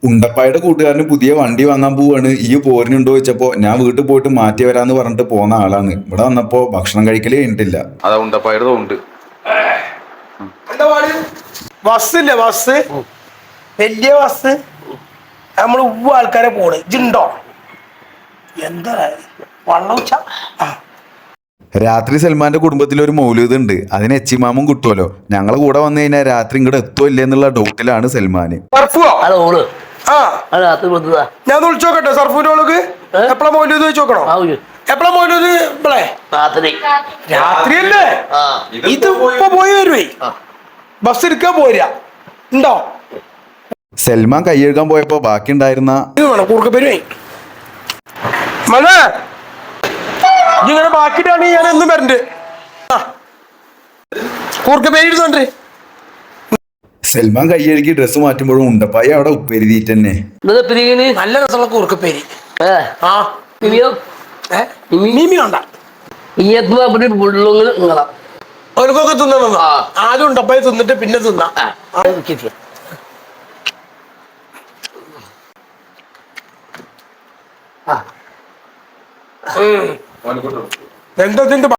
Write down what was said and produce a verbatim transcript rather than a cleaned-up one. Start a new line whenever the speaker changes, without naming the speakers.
ഉണ്ടപ്പായുടെ കൂട്ടുകാരന് പുതിയ വണ്ടി വാങ്ങാൻ പോവാണ്. ഈ പോരിനുണ്ടോ ചോദിച്ചപ്പോ ഞാൻ വീട്ടിൽ പോയിട്ട് മാറ്റി വരാന്ന് പറഞ്ഞിട്ട് പോന്ന ആളാണ്. ഇവിടെ വന്നപ്പോ ഭക്ഷണം കഴിക്കലേ കഴിഞ്ഞിട്ടില്ല.
അതാ ഉണ്ടപ്പായുടെ ഉണ്ട്.
ബസ്സില്ലേ ബസ്, വലിയ ബസ്, നമ്മൾ ഉവ്വ ആൾക്കാരെ പോണ്. ഇജുണ്ടോ? എന്താ വള്ളം ഉച്ച.
രാത്രി സൽമാന്റെ കുടുംബത്തിൽ ഒരു മൗലൂദ് ഉണ്ട്. അതിന് എച്ചിമാമും കിട്ടുമല്ലോ. ഞങ്ങളെ കൂടെ വന്നു കഴിഞ്ഞാൽ രാത്രി ഇങ്ങോട്ട് എത്തോ ഇല്ലേ എന്നുള്ള ഡൗട്ടിലാണ് സൽമാന്.
ഞാൻ വിളിച്ചോക്കട്ടെ സർഫിന്റെ ഓൾക്ക് എപ്പളാ മൗലൂദ് വെച്ച് നോക്കണോ? എപ്പളാ മൗലൂദ്? ഇപ്പളേ രാത്രിയല്ലേ? ഇത് ഇപ്പൊ പോയി വരുവേ, ബസ് എടുക്കാൻ പോരാ. ഉണ്ടോ?
സൽമാൻ കൈയെഴുകാൻ പോയപ്പോ ബാക്കി ഉണ്ടായിരുന്ന
കൂർക്കപ്പേരുവേ മനെ ഇങ്ങനെ ബാക്കിട്ടാണെങ്കിൽ ഞാൻ എന്നും വരണ്ട്. കൂർക്കപ്പേരി ഇരുന്നോണ്ട്
സൽമാൻ കൈയെഴുകി ഡ്രസ്സ് മാറ്റുമ്പോഴും ഉണ്ടപ്പായി അവിടെ ഉപ്പേരിതീറ്റ് തന്നെ.
നല്ല രസമുള്ള കൂർക്കപ്പേരി. അവർക്കൊക്കെ തിന്നണം. ആദ്യം ഉണ്ടപ്പായി തിന്നിട്ട് പിന്നെ തിന്നാ. എന്താ